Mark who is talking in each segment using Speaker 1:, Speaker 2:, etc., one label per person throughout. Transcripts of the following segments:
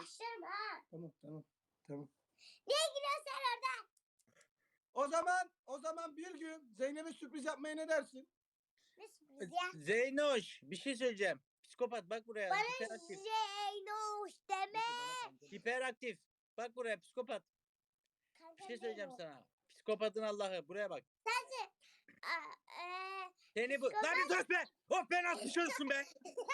Speaker 1: başlarım ha.
Speaker 2: Tamam. Tamam.
Speaker 1: Niye gülüyorsun sen orada?
Speaker 2: O zaman bir gün Zeynep'e sürpriz yapmaya ne dersin?
Speaker 1: Ne sürpriz ya?
Speaker 3: Zeynoş bir şey söyleyeceğim. Psikopat bak buraya.
Speaker 1: Bana
Speaker 3: Hiperaktif.
Speaker 1: Zeynoş deme.
Speaker 3: Hiperaktif. Bak buraya psikopat. Bir şey söyleyeceğim sana. Psikopatın Allah'ı. Buraya bak. Seni bu. Lan bir sus be. Of ben az dışarısın be.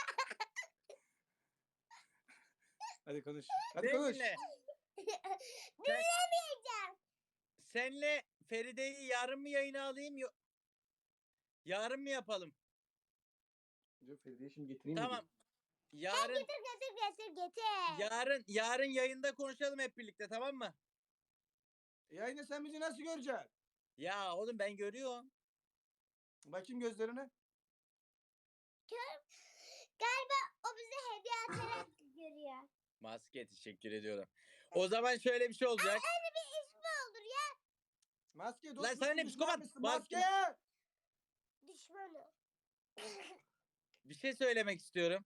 Speaker 2: Hadi konuş.
Speaker 3: Beni dinle.
Speaker 1: Dinlemeyeceğim.
Speaker 3: Senle Feride'yi yarın mı yayına alayım? Yarın mı yapalım?
Speaker 2: Feride'yi şimdi getireyim mi?
Speaker 3: Tamam. Yarın
Speaker 1: Getir.
Speaker 3: yarın yayında konuşalım hep birlikte, tamam mı?
Speaker 2: Yayında sen bizi nasıl göreceksin?
Speaker 3: Ya oğlum ben görüyorum.
Speaker 2: Bakayım gözlerine.
Speaker 1: Galiba o bize hediye atarak görüyor.
Speaker 3: Maske, teşekkür ediyorum. O zaman şöyle bir şey olacak.
Speaker 1: Öyle bir ismi olur ya.
Speaker 2: Maske
Speaker 3: Lan sana ne psikopat?
Speaker 2: Maske.
Speaker 1: Düşmanı.
Speaker 3: Bir şey söylemek istiyorum.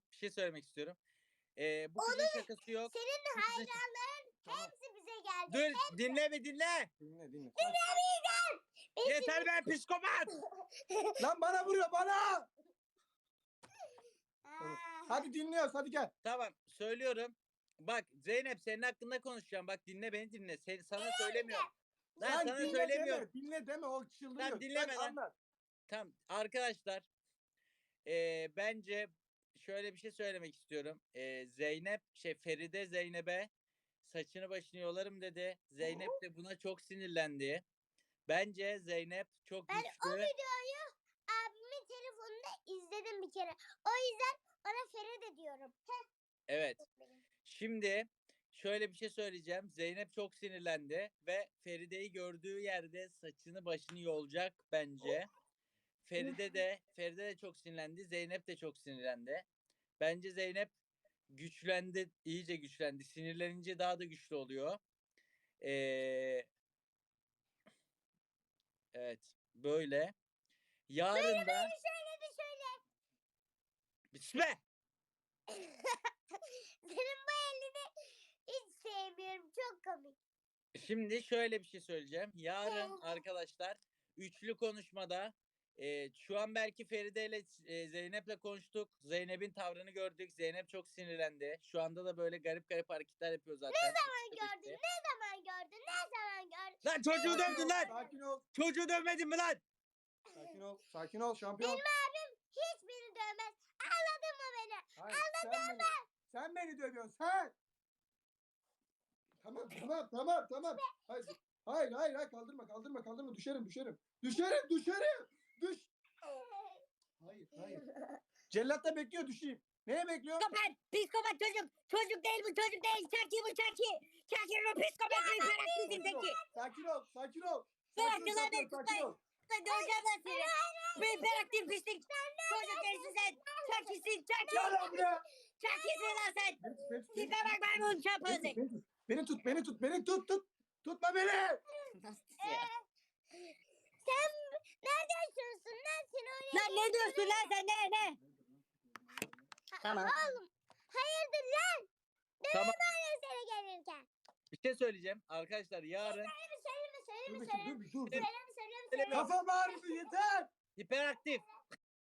Speaker 3: Bu kızın şakası yok.
Speaker 1: Senin hayranların hepsi bize geldi.
Speaker 3: Dur dinle.
Speaker 2: Dinle.
Speaker 1: Dinlemeyeceğim.
Speaker 3: Yeter be psikopat.
Speaker 2: Lan bana vuruyor bana.
Speaker 1: Aa,
Speaker 2: Hadi dinliyoruz hadi gel.
Speaker 3: Tamam söylüyorum. Bak Zeynep senin hakkında konuşacağım. Bak dinle beni dinle. Sana söylemiyorum. Lan
Speaker 2: Sen
Speaker 3: sana
Speaker 2: dinle
Speaker 3: söylemiyorum.
Speaker 2: Dinle deme o çıldırıyor.
Speaker 3: Tamam, dinleme
Speaker 2: Sen
Speaker 3: lan.
Speaker 2: anlat.
Speaker 3: Tamam arkadaşlar. Bence şöyle bir şey söylemek istiyorum. Feride Zeynep'e saçını başını yolarım dedi. Zeynep de buna çok sinirlendi. Bence Zeynep çok
Speaker 1: ben o
Speaker 3: güçlü.
Speaker 1: videoyu abimin telefonunda izledim bir kere. O yüzden ona Feride diyorum.
Speaker 3: Evet. Şimdi şöyle bir şey söyleyeceğim. Zeynep çok sinirlendi ve Feride'yi gördüğü yerde saçını başını yolacak bence. Feride de çok sinirlendi. Zeynep de çok sinirlendi. Bence Zeynep güçlendi, iyice güçlendi. Sinirlenince daha da güçlü oluyor. Evet, böyle. Yarın da
Speaker 1: Söyle.
Speaker 3: Bismillah.
Speaker 1: Senin bu elini hiç sevmiyorum. Çok komik.
Speaker 3: Şimdi şöyle bir şey söyleyeceğim. Yarın arkadaşlar üçlü konuşmada şu an belki Feride ile Zeynep'le konuştuk. Zeynep'in tavrını gördük. Zeynep çok sinirlendi. Şu anda da böyle garip garip hareketler yapıyor zaten.
Speaker 1: Ne zaman gördün?
Speaker 3: Lan çocuğu dövdün lan.
Speaker 2: Sakin ol.
Speaker 3: Çocuğu dövmedin mi lan?
Speaker 2: Sakin ol şampiyon.
Speaker 1: Benim abim hiç beni dövmez. Anladın mı beni?
Speaker 2: Hayır, sen beni dövüyorsun sen. Tamam. Hayır kaldırma düşerim. Düş. Hayır. Cellat da bekliyor düşeyim. Neye bekliyor?
Speaker 4: Psikopat çocuk. Çocuk değil bu çocuk değil. Çaki bu çaki. Çaki bu psikopat bir karakterin teki.
Speaker 2: Sakin ol.
Speaker 4: Bıraktın lan beni
Speaker 2: Sakin
Speaker 4: tutmayın.
Speaker 2: ol.
Speaker 4: Ben döveceğim ben seni. Bu hiperaktif pislik. Çocuk değilsin sen. Çakisin çaki.
Speaker 2: Gel lan buraya.
Speaker 4: Çakisin lan sen. Tipe bak maymun şapözük.
Speaker 2: Beni tut. Tutma beni.
Speaker 1: Sen nerede yaşıyorsun lan? Sen oraya
Speaker 4: Lan ne diyorsun lan sen ne? Tamam.
Speaker 1: Oğlum. Hayırdır lan?
Speaker 3: Tamam.
Speaker 1: Dövme seni gelirken.
Speaker 3: Bir şey söyleyeceğim. Arkadaşlar yarın
Speaker 1: Söyleme.
Speaker 2: Dur.
Speaker 1: Söyleme.
Speaker 3: Söyleme.
Speaker 2: Kafam ağrıdı yeter.
Speaker 3: hiperaktif.